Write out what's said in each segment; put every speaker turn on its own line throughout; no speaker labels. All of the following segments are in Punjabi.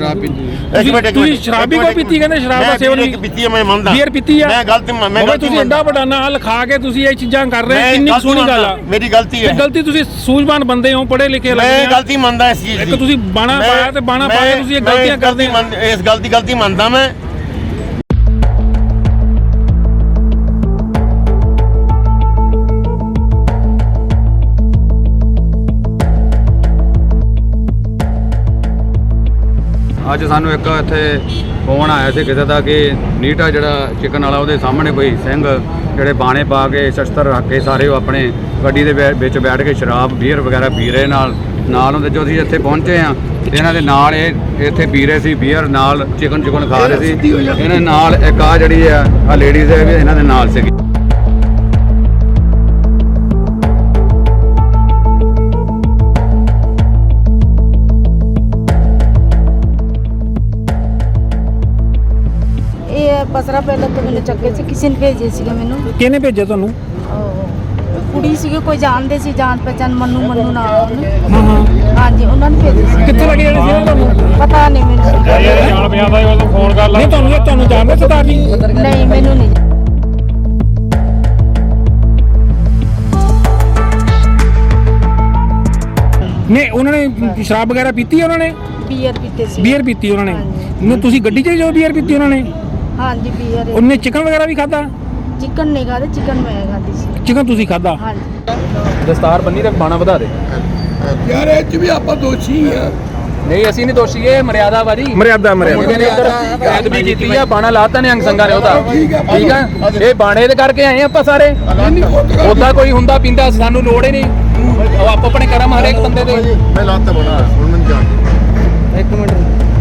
शराब पीती
ਇੱਕ ਮਿੰਟ
ਤੁਸੀਂ ਸ਼ਰਾਬ ਵੀ ਕੋਈ ਪੀਤੀ ਕਹਿੰਦੇ ਸ਼ਰਾਬ ਦਾ ਸੇਵਨ ਵੀ
ਪੀਤੀ ਹੈ ਮੈਂ ਮੰਨਦਾ
ਬੀਅਰ ਪੀਤੀ ਆ
ਮੈਂ ਗਲਤੀ
ਤੁਸੀਂ ਐਡਾ ਵੱਡਾ ਨਾਂ ਲਿਖਾ ਕੇ ਤੁਸੀਂ ਇਹ ਚੀਜ਼ਾਂ ਕਰ ਰਹੇ ਕਿੰਨੀ ਸੋਹਣੀ ਗੱਲ ਆ
ਮੇਰੀ ਗਲਤੀ ਹੈ
ਗਲਤੀ ਤੁਸੀਂ ਸੂਝਵਾਨ ਬੰਦੇ ਹੋ ਪੜ੍ਹੇ ਲਿਖੇ
ਮੈਂ ਗਲਤੀ ਮੰਨਦਾ ਇਸ ਚੀਜ਼ ਦੀ
ਇੱਕ ਤੁਸੀਂ ਬਾਣਾ ਪਾਇਆ ਤੇ ਬਾਣਾ ਪਾ ਕੇ ਤੁਸੀਂ ਇਹ ਗਲਤੀਆਂ ਕਰਦੇ ਹੋ
ਇਸ ਗਲਤੀ ਮੰਨਦਾ ਮੈਂ
ਅੱਜ ਸਾਨੂੰ ਇੱਕ ਇੱਥੇ ਫੋਨ ਆਇਆ ਸੀ ਕਿਸੇ ਦਾ ਕਿ ਨੀਟਾ ਜਿਹੜਾ ਚਿਕਨ ਵਾਲਾ ਉਹਦੇ ਸਾਹਮਣੇ ਕੋਈ ਸਿੰਘ ਜਿਹੜੇ ਬਾਣੇ ਪਾ ਕੇ ਸ਼ਸਤਰ ਰੱਖ ਕੇ ਸਾਰੇ ਉਹ ਆਪਣੇ ਗੱਡੀ ਦੇ ਵਿੱਚ ਬੈਠ ਕੇ ਸ਼ਰਾਬ ਬੀਅਰ ਵਗੈਰਾ ਪੀ ਰਹੇ ਨਾਲ ਹੁੰਦੇ ਜੋ ਅਸੀਂ ਇੱਥੇ ਪਹੁੰਚੇ ਆ ਇਹਨਾਂ ਦੇ ਨਾਲ ਇਹ ਇੱਥੇ ਪੀ ਰਹੇ ਸੀ ਬੀਅਰ ਨਾਲ ਚਿਕਨ ਖਾ ਰਹੇ ਸੀ ਇਹਨਾਂ ਨਾਲ ਇੱਕ ਆ ਜਿਹੜੀ ਆ ਲੇਡੀਜ਼ ਹੈ ਵੀ ਇਹਨਾਂ ਦੇ ਨਾਲ ਸੀਗੀ।
ਬਸਰਾ ਪਹਿਲਾਂ ਤੋਂ ਮੈਨੂੰ ਚੱਕੇ ਸੀ ਕਿਸੇ ਨੇ ਭੇਜੇ ਸੀਗੇ ਮੈਨੂੰ
ਕਿਹਨੇ ਭੇਜਿਆ ਤੁਹਾਨੂੰ
ਕੁੜੀ ਸੀਗੀ ਕੋਈ ਜਾਣਦੇ ਸੀ ਜਾਣ ਪਹਿਚਾਨ ਮੰਨੂ ਨਾਮ
ਹਾਂ
ਹਾਂਜੀ ਉਹਨਾਂ ਨੇ ਭੇਜੇ ਸੀ
ਕਿੱਥੇ ਲੱਗੇ ਜਿਹੜੇ ਸੀ ਤੁਹਾਨੂੰ
ਪਤਾ ਨਹੀਂ ਮੈਨੂੰ
ਜਾਣ ਪਿਆ ਦਾ ਉਹ ਫੋਨ ਕਰ ਲਾ ਨਹੀਂ ਤੁਹਾਨੂੰ ਜਾਣਦੇ ਸਰਦਾਰ ਜੀ
ਨਹੀਂ ਮੈਨੂੰ ਨਹੀਂ
ਨਹੀਂ ਉਹਨਾਂ ਨੇ ਸ਼ਰਾਬ ਵਗੈਰਾ ਪੀਤੀ ਉਹਨਾਂ ਨੇ
ਬੀਅਰ ਪੀਤੇ ਸੀ
ਬੀਅਰ ਪੀਤੀ ਉਹਨਾਂ ਨੇ ਨਹੀਂ ਤੁਸੀਂ ਗੱਡੀ 'ਚ ਜੋ ਬੀਅਰ ਪੀਤੀ ਉਹਨਾਂ ਨੇ
ਹਾਂਜੀ ਬੀਅਰ
ਉਹਨੇ ਚਿਕਨ ਵਗੈਰਾ ਵੀ ਖਾਦਾ
ਚਿਕਨ ਨਹੀਂ ਖਾਦੇ ਚਿਕਨ ਮੈਂ ਖਾਦੀ ਸੀ
ਚਿਕਨ ਤੁਸੀਂ ਖਾਦਾ
ਹਾਂਜੀ
ਦਸਤਾਰ ਬੰਨੀ ਤੇ ਬਾਣਾ ਵਧਾ ਦੇ
ਯਾਰ ਇਹ ਚ ਵੀ ਆਪਾਂ ਦੋਸ਼ੀ ਆ
ਨਹੀਂ ਅਸੀਂ ਨਹੀਂ ਦੋਸ਼ੀ ਇਹ ਮਰਿਆਦਾ ਵਾਰੀ
ਮਰਿਆਦਾ
ਮੁੰਡੇ ਨੇ ਇੱਧਰ ਕੈਦ ਵੀ ਕੀਤੀ ਆ ਬਾਣਾ ਲਾਤਾ ਨੇ ਅੰਗ ਸੰਗਾ ਨੇ ਉਹਦਾ ਠੀਕ ਆ ਇਹ ਬਾਣੇ ਦੇ ਕਰਕੇ ਆਏ ਆਪਾਂ ਸਾਰੇ ਉਹਦਾ ਕੋਈ ਹੁੰਦਾ ਪੀਂਦਾ ਸਾਨੂੰ ਲੋੜ ਹੀ ਨਹੀਂ ਉਹ ਆਪੋ ਆਪਣੇ ਕਰਮ ਹਰੇਕ ਬੰਦੇ ਦੇ
ਮੈਂ ਲਾਤਾ ਬਣਾ ਹੁਣ ਮੈਨੂੰ ਜਾਣ
ਇੱਕ ਮਿੰਟ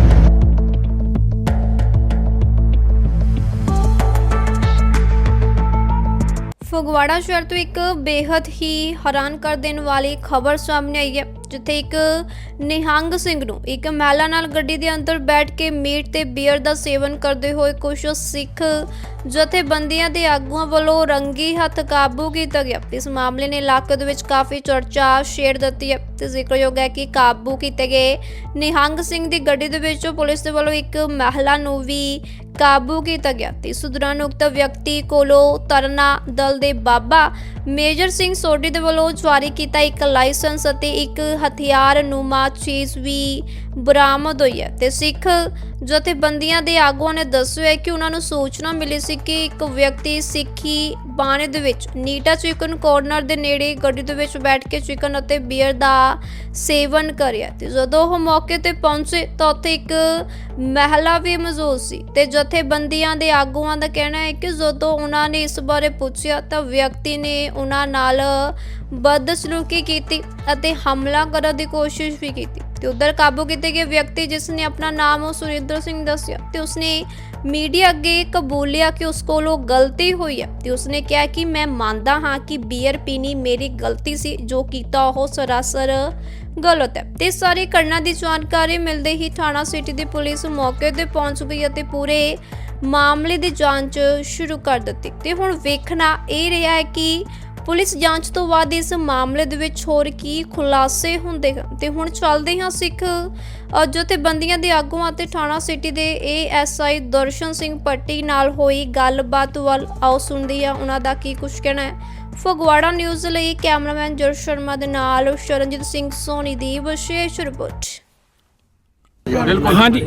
ਫਗਵਾੜਾ ਸ਼ਹਿਰ ਤੋਂ ਇੱਕ ਬੇहद ਹੀ ਹੈਰਾਨ ਕਰ ਦੇਣ ਵਾਲੀ ਖਬਰ ਸਾਹਮਣੇ ਆਈ ਹੈ ਜਿੱਥੇ ਇੱਕ ਨਿਹੰਗ ਸਿੰਘ ਨੂੰ ਇੱਕ ਮਹਿਲਾ ਨਾਲ ਗੱਡੀ ਦੇ ਅੰਦਰ ਬੈਠ ਕੇ ਮੀਟ ਤੇ ਬੀਅਰ ਦਾ ਸੇਵਨ ਕਰਦੇ ਹੋਏ ਕੁਝ ਸਿੱਖ ਜਥੇਬੰਦੀਆਂ ਦੇ ਆਗੂਆਂ ਵੱਲੋਂ ਰੰਗੀ ਹੱਥ ਕਾਬੂ ਕੀਤਾ ਗਿਆ। ਇਸ ਮਾਮਲੇ ਨੇ ਇਲਾਕੇ ਦੇ ਵਿੱਚ ਕਾਫੀ ਚਰਚਾ ਛੇੜ ਦਿੱਤੀ ਹੈ ਤੇ ਜ਼ਿਕਰਯੋਗ ਹੈ ਕਿ ਕਾਬੂ ਕੀਤੇ ਗਏ ਨਿਹੰਗ ਸਿੰਘ ਦੀ ਗੱਡੀ ਦੇ ਵਿੱਚੋਂ ਪੁਲਿਸ ਦੇ ਵੱਲੋਂ ਇੱਕ ਮਹਿਲਾ ਨੂੰ ਵੀ ਕਾਬੂ ਕੀਤਾ ਗਿਆ ਤੇ ਇਸ ਦੌਰਾਨ ਉਕਤ ਵਿਅਕਤੀ ਕੋਲੋਂ ਤਰਨਾ ਦਲ ਦੇ ਬਾਬਾ ਮੇਜਰ ਸਿੰਘ ਸੋਢੀ ਦੇ ਵੱਲੋਂ ਜਾਰੀ ਕੀਤਾ ਇੱਕ ਲਾਇਸੈਂਸ ਅਤੇ ਇੱਕ ਹਥਿਆਰ ਨੂਮਾ ਚੀਜ਼ ਵੀ ਬਰਾਮਦ ਹੋਈ ਹੈ ਤੇ ਸਿੱਖ ਜਥੇਬੰਦੀਆਂ ਦੇ ਆਗੂਆਂ ਨੇ ਦੱਸਿਆ ਕਿ ਉਹਨਾਂ ਨੂੰ ਸੂਚਨਾ ਮਿਲੀ ਸੀ ਕਿ ਇੱਕ ਵਿਅਕਤੀ ਸਿੱਖੀ ਬਾਣੇ ਦੇ ਵਿੱਚ ਨੀਟਾ ਚਿਕਨ ਕਾਰਨਰ ਦੇ ਨੇੜੇ ਗੱਡੀ ਦੇ ਵਿੱਚ ਬੈਠ ਕੇ ਚਿਕਨ ਅਤੇ ਬੀਅਰ ਦਾ ਸੇਵਨ ਕਰਿਆ ਤੇ ਜਦੋਂ ਉਹ ਮੌਕੇ ਤੇ ਪਹੁੰਚੇ ਤਾਂ ਉੱਥੇ ਇੱਕ ਮਹਿਲਾ ਵੀ ਮੌਜੂਦ ਸੀ ਤੇ ਜਥੇਬੰਦੀਆਂ ਦੇ ਆਗੂਆਂ ਦਾ ਕਹਿਣਾ ਹੈ ਕਿ ਜਦੋਂ ਉਹਨਾਂ ਨੇ ਇਸ ਬਾਰੇ ਪੁੱਛਿਆ ਤਾਂ ਵਿਅਕਤੀ ਨੇ ਉਹਨਾਂ ਨਾਲ ਬਦਸਲੂਕੀ ਕੀਤੀ ਅਤੇ ਹਮਲਾ ਕਰਨ ਦੀ ਕੋਸ਼ਿਸ਼ ਵੀ ਕੀਤੀ ਤੇ ਉਧਰ ਕਾਬੂ ਕੀਤੇ ਗਏ ਵਿਅਕਤੀ ਜਿਸ ਨੇ ਆਪਣਾ ਨਾਮ ਸੁਰਿੰਦਰ ਸਿੰਘ ਦੱਸਿਆ ਤੇ ਉਸਨੇ ਮੀਡੀਆ ਅੱਗੇ ਕਬੂਲਿਆ ਕਿ ਉਸ ਕੋਲੋਂ ਗਲਤੀ ਹੋਈ ਹੈ ਤੇ ਉਸਨੇ ਕਿਹਾ ਕਿ ਮੈਂ ਮੰਨਦਾ ਹਾਂ ਕਿ ਬੀਅਰ ਪੀਣੀ ਮੇਰੀ ਗਲਤੀ ਸੀ ਜੋ ਕੀਤਾ ਉਹ ਸਰਾਸਰ ਗਲਤ ਹੈ ਤੇ ਸਾਰੀ ਘਟਨਾ ਦੀ ਜਾਣਕਾਰੀ ਮਿਲਦੇ ਹੀ ਥਾਣਾ ਸਿਟੀ ਦੀ ਪੁਲਿਸ ਮੌਕੇ ਤੇ ਪਹੁੰਚ ਗਈ ਅਤੇ ਪੂਰੇ ਮਾਮਲੇ ਦੀ ਜਾਂਚ ਸ਼ੁਰੂ ਕਰ ਦਿੱਤੀ ਤੇ ਹੁਣ ਵੇਖਣਾ ਇਹ ਰਿਹਾ ਹੈ ਕਿ ਪੁਲਿਸ ਜਾਂਚ ਤੋਂ ਬਾਅਦ ਇਸ ਮਾਮਲੇ ਦੇ ਵਿੱਚ ਹੋਰ ਕੀ ਖੁਲਾਸੇ ਹੁੰਦੇ ਹਨ ਤੇ ਹੁਣ ਚੱਲਦੇ ਹਾਂ ਸਿੱਖ ਜਥੇਬੰਦੀਆਂ ਦੇ ਆਗੂਆਂ ਅਤੇ ਥਾਣਾ ਸਿਟੀ ਦੇ ASI ਦਰਸ਼ਨ ਸਿੰਘ ਪੱਟੀ ਨਾਲ ਹੋਈ ਗੱਲਬਾਤ ਵੱਲ ਆਓ ਸੁਣਦੇ ਹਾਂ ਉਹਨਾਂ ਦਾ ਕੀ ਕੁਝ ਕਹਿਣਾ ਹੈ। ਫਗਵਾੜਾ ਨਿਊਜ਼ ਲਈ ਕੈਮਰਾਮੈਨ ਜਰ ਸ਼ਰਮਾ ਦੇ ਨਾਲ ਸ਼ਰਨਜੀਤ ਸਿੰਘ ਸੋਨੀ ਦੀ ਵਿਸ਼ੇਸ਼ ਰਿਪੋਰਟ।
ਹਾਂਜੀ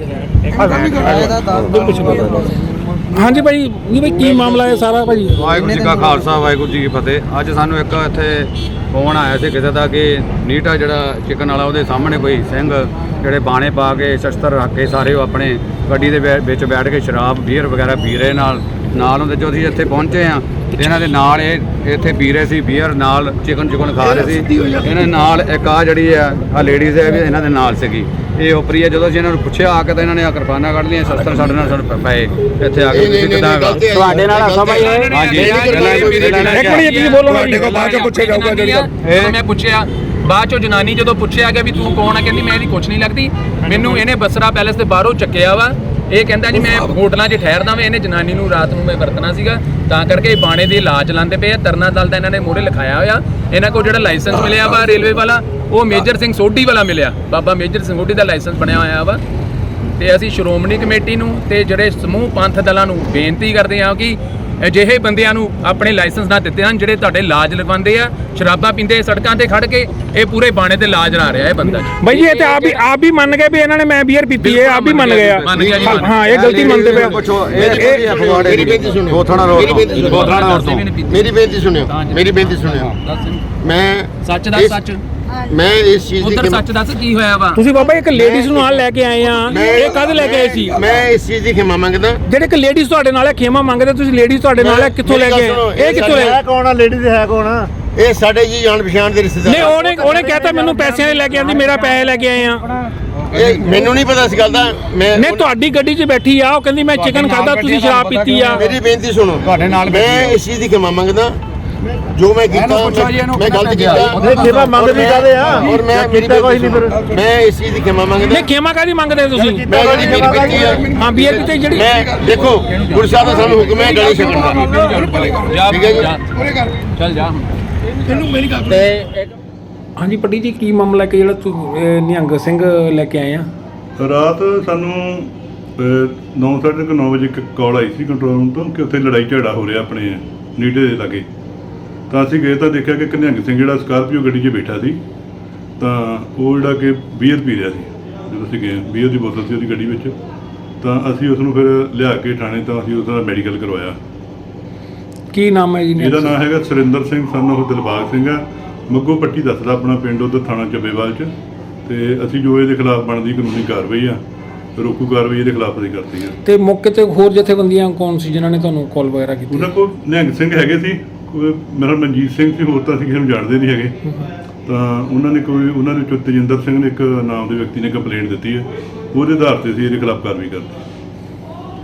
ਹਾਂਜੀ ਭਾਈ ਕੀ ਮਾਮਲਾ ਹੈ ਸਾਰਾ ਭਾਈ?
ਵਾਹਿਗੁਰੂ ਜੀ ਕਾ ਖਾਲਸਾ ਵਾਹਿਗੁਰੂ ਜੀ ਕੀ ਫਤਿਹ। ਅੱਜ ਸਾਨੂੰ ਇੱਕ ਇੱਥੇ ਫੋਨ ਆਇਆ ਸੀ ਕਿਸੇ ਦਾ ਕਿ ਨੀਟਾ ਜਿਹੜਾ ਚਿਕਨ ਵਾਲਾ ਉਹਦੇ ਸਾਹਮਣੇ ਕੋਈ ਸਿੰਘ ਜਿਹੜੇ ਬਾਣੇ ਪਾ ਕੇ ਸ਼ਸਤਰ ਰੱਖ ਕੇ ਸਾਰੇ ਉਹ ਆਪਣੇ ਗੱਡੀ ਦੇ ਵਿੱਚ ਬੈਠ ਕੇ ਸ਼ਰਾਬ ਬੀਅਰ ਵਗੈਰਾ ਪੀ ਰਹੇ ਨਾਲ ਹੁੰਦੇ ਜੋ ਅਸੀਂ ਇੱਥੇ ਪਹੁੰਚੇ ਆ ਇਹਨਾਂ ਦੇ ਨਾਲ ਇਹ ਇੱਥੇ ਪੀ ਰਹੇ ਸੀ ਬੀਅਰ ਨਾਲ ਚਿਕਨ ਖਾ ਰਹੇ ਸੀ ਇਹਨਾਂ ਨਾਲ ਇੱਕ ਆ ਜਿਹੜੀ ਆ ਲੇਡੀਜ਼ ਹੈ ਵੀ ਇਹਨਾਂ ਦੇ ਨਾਲ ਸੀਗੀ ਇਹ ਉਪਰੀ ਹੈ। ਜਦੋਂ ਅਸੀਂ ਇਹਨਾਂ ਨੂੰ ਪੁੱਛਿਆ ਆ ਕੇ ਤਾਂ ਇਹਨਾਂ ਨੇ ਆ ਕਿਰਪਾਨਾਂ ਕੱਢ ਲਈਆਂ ਸ਼ਸਤਰ ਸਾਡੇ ਨਾਲ ਸਾਨੂੰ ਪਏ ਇੱਥੇ ਆ ਕੇ ਤੁਸੀਂ ਕਿੱਦਾਂ
ਤੁਹਾਡੇ ਨਾਲ ਸਮਝ ਆਏ
ਹਾਂਜੀ
ਇੱਕ ਮਿੰਟ ਬੋਲੋ
ਬਾਅਦ ਚ ਪੁੱਛਿਆ ਜਾਊਗਾ
ਇਹ ਮੈਂ ਪੁੱਛਿਆ ਬਾਅਦ ਚੋਂ ਜਨਾਨੀ ਜਦੋਂ ਪੁੱਛਿਆ ਗਿਆ ਵੀ ਤੂੰ ਕੌਣ ਆ ਕਹਿੰਦੀ ਮੈਂ ਇਹਦੀ ਕੁਛ ਨਹੀਂ ਲੱਗਦੀ ਮੈਨੂੰ ਇਹਨੇ ਬਸਰਾ ਪੈਲੇਸ ਦੇ ਬਾਹਰੋਂ ਚੱਕਿਆ ਵਾ ਇਹ ਕਹਿੰਦਾ ਜੀ ਮੈਂ ਹੋਟਲਾਂ 'ਚ ਠਹਿਰਦਾ ਵਾਂ ਇਹਨੇ ਜਨਾਨੀ ਨੂੰ ਰਾਤ ਨੂੰ ਮੈਂ ਵਰਤਣਾ ਸੀਗਾ ਤਾਂ ਕਰਕੇ ਇਹ ਬਾਣੇ ਦੇ ਇਲਾਜ ਲਾਉਂਦੇ ਪਏ ਆ। ਤਰਨਾ ਦਲ ਦਾ ਇਹਨਾਂ ਨੇ ਮੋਹਰੇ ਲਿਖਾਇਆ ਹੋਇਆ ਇਹਨਾਂ ਕੋਲ ਜਿਹੜਾ ਲਾਇਸੈਂਸ ਮਿਲਿਆ ਵਾ ਰੇਲਵੇ ਵਾਲਾ ਉਹ ਮੇਜਰ ਸਿੰਘ ਸੋਢੀ ਵਾਲਾ ਮਿਲਿਆ ਬਾਬਾ ਮੇਜਰ ਸਿੰਘ ਸੋਢੀ ਦਾ ਲਾਇਸੈਂਸ ਬਣਿਆ ਹੋਇਆ ਵਾ ਤੇ ਅਸੀਂ ਸ਼੍ਰੋਮਣੀ ਕਮੇਟੀ ਨੂੰ ਤੇ ਜਿਹੜੇ ਸਮੂਹ ਪੰਥ ਦਲਾਂ ਨੂੰ ਬੇਨਤੀ ਕਰਦੇ ਹਾਂ ਕਿ ਅਜਿਹੇ ਬੰਦਿਆਂ ਨੂੰ ਆਪਣੇ ਲਾਇਸੈਂਸ ਨਾ ਦਿੱਤੇ ਹਨ ਜਿਹੜੇ ਤੁਹਾਡੇ ਲਾਜ ਲਗਵਾਉਂਦੇ ਆ, ਸ਼ਰਾਬਾਂ ਪੀਂਦੇ ਸੜਕਾਂ ਤੇ ਖੜ ਕੇ ਇਹ ਪੂਰੇ ਬਾਣੇ ਤੇ ਲਾਜ ਲਾ ਰਿਹਾ ਇਹ ਬੰਦਾ ਜੀ।
ਬਾਈ ਜੀ ਇਹ ਤੇ ਆਪ ਵੀ ਮੰਨ ਗਏ ਵੀ ਇਹਨਾਂ ਨੇ ਮੈਂ ਬੀਅਰ ਪੀਤੀ ਹੈ, ਆਪ ਵੀ ਮੰਨ ਗਏ ਆ।
ਮੰਨ ਗਿਆ ਜੀ, ਮੰਨ ਗਿਆ।
ਹਾਂ ਇਹ ਗਲਤੀ ਮੰਨਦੇ ਪਏ ਆ।
ਪੁੱਛੋ
ਮੇਰੀ ਬੇਨਤੀ ਸੁਣਿਓ।
ਗੋਥਾਣਾ ਰੋਡ
ਮੇਰੀ ਬੇਨਤੀ ਸੁਣਿਓ।
ਗੋਥਾਣਾ ਰੋਡ ਤੋਂ
ਮੇਰੀ ਬੇਨਤੀ ਸੁਣਿਓ। ਮੇਰੀ ਬੇਨਤੀ ਸੁਣਿਓ। ਮੈਂ
ਸੱਚ ਦੱਸ,
ਇਸ-
ਸੱਚ
ਮੈਂ ਇਸ ਚੀਜ਼ ਦੀ
ਉਧਰ ਸੱਚ ਦੱਸ ਕੀ ਹੋਇਆ ਵਾ।
ਤੁਸੀਂ ਬਾਬਾ ਇੱਕ ਲੇਡੀਜ਼ ਨੂੰ ਨਾਲ ਲੈ ਕੇ ਆਏ ਆ, ਇਹ ਕਦ ਲੈ ਕੇ ਆਏ ਸੀ?
ਮੈਂ ਇਸ ਚੀਜ਼ ਦੀ ਖਿਮਾ ਮੰਗਦਾ।
ਜਿਹੜੇ ਇੱਕ ਲੇਡੀਜ਼ ਤੁਹਾਡੇ ਨਾਲ ਹੈ ਖੇਮਾ ਮੰਗਦੇ, ਤੁਸੀਂ ਲੇਡੀਜ਼ ਤੁਹਾਡੇ ਨਾਲ ਹੈ, ਕਿੱਥੋਂ ਲੈ ਕੇ ਆਏ? ਇਹ ਕਿੱਥੋਂ ਲੈ?
ਕੌਣ ਆ ਲੇਡੀਜ਼ ਹੈ ਕੌਣ ਆ? ਇਹ ਸਾਡੇ ਜੀ ਜਾਣ ਪਛਾਣ ਦੇ ਰਿਸ਼ਤੇਦਾਰ।
ਨਹੀਂ ਉਹਨੇ ਕਹਿਤਾ ਮੈਨੂੰ ਪੈਸਿਆਂ ਦੇ ਲੈ ਕੇ ਆਂਦੀ, ਮੇਰਾ ਪੈਸੇ ਲੈ ਕੇ ਆਏ ਆ।
ਇਹ ਮੈਨੂੰ ਨਹੀਂ ਪਤਾ ਇਸ ਗੱਲ ਦਾ।
ਨਹੀਂ ਤੁਹਾਡੀ ਗੱਡੀ 'ਚ ਬੈਠੀ ਆ, ਉਹ ਕਹਿੰਦੀ ਮੈਂ ਚਿਕਨ ਖਾਦਾ, ਤੁਸੀਂ ਸ਼ਰਾਬ ਪੀਤੀ ਆ।
ਮੇਰੀ ਬੇਨਤੀ ਸੁਣੋ।
ਤੁਹਾਡੇ ਨਾਲ
ਮੈਂ ਇਸ ਚੀਜ਼ ਦੀ ਖਿਮਾ ਮੰਗਦਾ ਜੋ ਮੈਂ ਕੀਤਾ। ਮੈਂ ਗਲਤ ਕੀਤਾ।
ਖਿਮਾ ਮੰਗਦੇ ਕਾਹਦੇ ਆ?
ਔਰ ਮੈਂ ਮੇਰੀ ਕੋਈ ਨਹੀਂ ਫਿਰ ਮੈਂ ਇਸ ਚੀਜ਼ ਦੀ ਖਿਮਾ ਮੰਗਦਾ।
ਨਹੀਂ ਖੇਮਾ ਕਾਦੀ ਮੰਗਦੇ ਤੁਸੀਂ?
ਮੈਂ ਜਿਹੜੀ ਮੇਰੀ ਬੇਨਤੀ ਹੈ
ਹਾਂ ਬੀਅਰ ਪੀਤੇ ਜਿਹੜੀ
ਮੈਂ ਦੇਖੋ ਗੁਰੂ ਸਾਹਿਬ ਦਾ ਸਾਨੂੰ ਹੁਕਮ ਹੈ ਗਲੇ ਛਕਣ ਦਾ।
ਜਾ
ਠੀਕ ਹੈ ਜੀ।
ਜਾ, ਚੱਲ ਜਾ ਹੁਣ।
ਤੈਨੂੰ ਮੇਰੀ ਗੱਲ
ਹਾਂਜੀ ਪੱਟੀ ਜੀ ਕੀ ਮਾਮਲਾ ਕਿ ਜਿਹੜਾ ਨਿਹੰਗ ਸਿੰਘ ਲੈ ਕੇ ਆਏ ਆ?
ਰਾਤ ਸਾਨੂੰ 9:30 ਵਜੇ ਇੱਕ ਕਾਲ ਆਈ ਸੀ ਕੰਟਰੋਲ ਰੂਮ ਤੋਂ ਕਿ ਉੱਥੇ ਲੜਾਈ ਝਗੜਾ ਹੋ ਰਿਹਾ ਆਪਣੇ ਨੀਟੇ ਦੇ ਲਾਗੇ। ਤਾਂ ਅਸੀਂ ਗਏ ਤਾਂ ਦੇਖਿਆ ਕਿ ਇੱਕ ਨਿਹੰਗ ਸਿੰਘ ਜਿਹੜਾ ਸਕਾਰਪੀਓ ਗੱਡੀ 'ਚ ਬੈਠਾ ਸੀ, ਤਾਂ ਉਹ ਜਿਹੜਾ ਕਿ ਬੀਅਰ ਪੀ ਰਿਹਾ ਸੀ। ਜਦੋਂ ਅਸੀਂ ਗਏ ਬੀਅਰ ਦੀ ਬੋਤਲ ਸੀ ਉਹਦੀ ਗੱਡੀ ਵਿੱਚ, ਤਾਂ ਅਸੀਂ ਉਸ ਨੂੰ ਫਿਰ ਲਿਆ ਕੇ ਥਾਣੇ ਤਾਂ ਅਸੀਂ ਉਸ ਦਾ ਮੈਡੀਕਲ ਕਰਵਾਇਆ।
ਕੀ ਨਾਮ ਹੈ ਜੀ?
ਇਹਦਾ ਨਾਮ ਹੈਗਾ ਸੁਰਿੰਦਰ ਸਿੰਘ ਸਨ ਉਹ ਦਿਲਬਾਗ ਸਿੰਘ ਆ, ਮੱਗੋ ਪੱਟੀ ਦੱਸਦਾ ਆਪਣਾ ਪਿੰਡ, ਉੱਧਰ ਥਾਣਾ ਚੱਬੇਵਾਲ 'ਚ। ਤੇ ਅਸੀਂ ਜੋ ਇਹਦੇ ਖਿਲਾਫ ਬਣਦੀ ਕਾਨੂੰਨੀ ਕਾਰਵਾਈ ਆ, ਰੋਕੂ ਕਾਰਵਾਈ ਇਹਦੇ ਖਿਲਾਫ ਅਸੀਂ ਕਰਤੀ ਆ।
ਤੇ ਮੌਕੇ ਤੇ ਹੋਰ ਜਥੇਬੰਦੀਆਂ ਕੌਣ ਸੀ ਜਿਨ੍ਹਾਂ ਨੇ ਤੁਹਾਨੂੰ ਕਾਲ ਵਗੈਰਾ ਕੀਤੀ?
ਉਹਨਾਂ ਕੋਲ ਨਿਹੰਗ ਸਿੰਘ ਹੈਗੇ ਸੀ, ਮੇਰਾ ਮਨਜੀਤ ਸਿੰਘ ਸੀ, ਹੋਰ ਤਾਂ ਅਸੀਂ ਕਿਸੇ ਨੂੰ ਜਾਣਦੇ ਨਹੀਂ ਹੈਗੇ। ਤਾਂ ਉਹਨਾਂ ਦੇ ਵਿੱਚੋਂ ਤੇਜਿੰਦਰ ਸਿੰਘ ਨੇ ਇੱਕ ਨਾਮ ਦੇ ਵਿਅਕਤੀ ਨੇ ਕੰਪਲੇਂਟ ਦਿੱਤੀ ਹੈ, ਉਹਦੇ ਆਧਾਰ ਤੇ ਅਸੀਂ ਇਹਦੇ ਖਿਲਾਫ ਕਾਰਵਾਈ ਕਰਤੀ।